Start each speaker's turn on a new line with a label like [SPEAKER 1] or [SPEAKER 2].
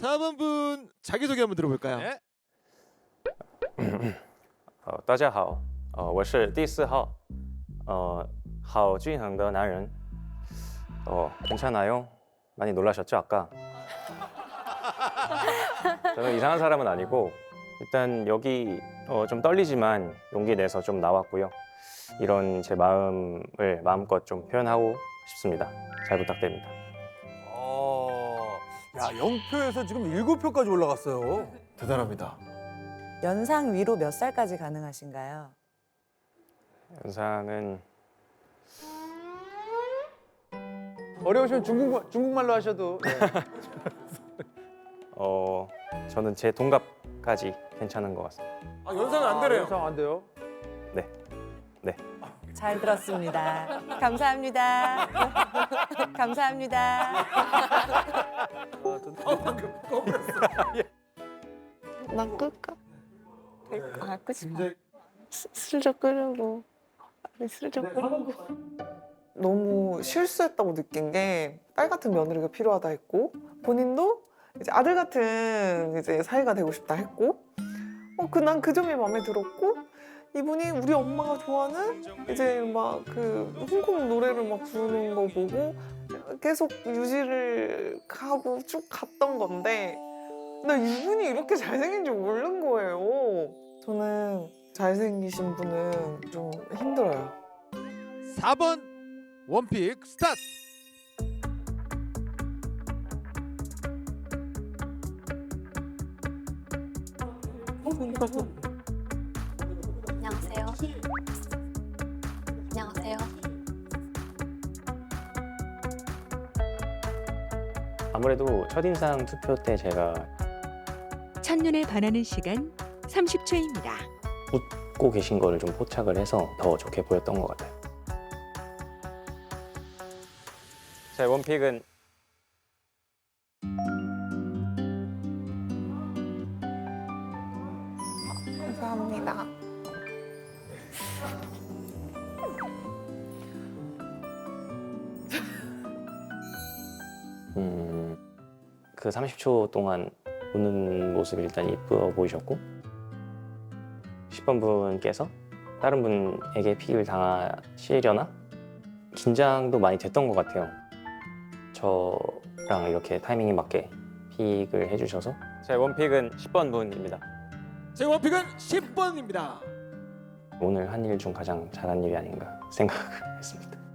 [SPEAKER 1] 4번 분 자기소개 한번 들어볼까요?
[SPEAKER 2] 네.
[SPEAKER 3] 大家好，我是第4号，好均衡的男人。괜찮아요? 많이 놀라셨죠 아까? 저는 이상한 사람은 아니고 일단 여기 좀 떨리지만 용기 내서 좀 나왔고요. 이런 제 마음을 마음껏 좀 표현하고 싶습니다. 잘 부탁드립니다.
[SPEAKER 2] 야, 0표에서 지금 7표까지 올라갔어요.
[SPEAKER 1] 대단합니다.
[SPEAKER 4] 연상 위로 몇 살까지 가능하신가요?
[SPEAKER 3] 연상은
[SPEAKER 2] 어려우시면 중국말로 하셔도. 네.
[SPEAKER 3] 저는 제 동갑까지 괜찮은 것 같습니다.
[SPEAKER 1] 아, 연상은 안 되네요.
[SPEAKER 2] 연상 안 돼요?
[SPEAKER 4] 잘 들었습니다. 감사합니다. 감사합니다.
[SPEAKER 5] 난 끌까? 끌고 싶어. 슬쩍 끌고. 슬쩍 끌고. 너무 실수했다고 느낀 게 딸 같은 며느리가 필요하다 했고 본인도 이제 아들 같은 이제 사이가 되고 싶다 했고 난 그 점이 마음에 들었고 이분이 우리 엄마가 좋아하는 이제 막 그 홍콩 노래를 막 부르는 거 보고 계속 유지를 하고 쭉 갔던 건데 나 이분이 이렇게 잘생긴 줄 모르는 거예요. 저는 잘생기신 분은 좀 힘들어요.
[SPEAKER 1] 4번 원픽 스타트.
[SPEAKER 6] 안녕하세요. 안녕하세요.
[SPEAKER 3] 아무래도 첫인상 투표 때 제가
[SPEAKER 7] 첫눈에 반하는 시간 30초입니다.
[SPEAKER 3] 웃고 계신 거를 좀 포착을 해서 더 좋게 보였던 것 같아요. 제 원픽은
[SPEAKER 5] 감사합니다.
[SPEAKER 3] 그 30초 동안 웃는 모습이 일단 이쁘어 보이셨고 10번 분께서 다른 분에게 픽을 당하시려나? 긴장도 많이 됐던 것 같아요. 저랑 이렇게 타이밍이 맞게 픽을 해주셔서 제 원픽은 10번 분입니다.
[SPEAKER 1] 제 원픽은 10번입니다.
[SPEAKER 3] 오늘 한 일 중 가장 잘한 일이 아닌가 생각했습니다.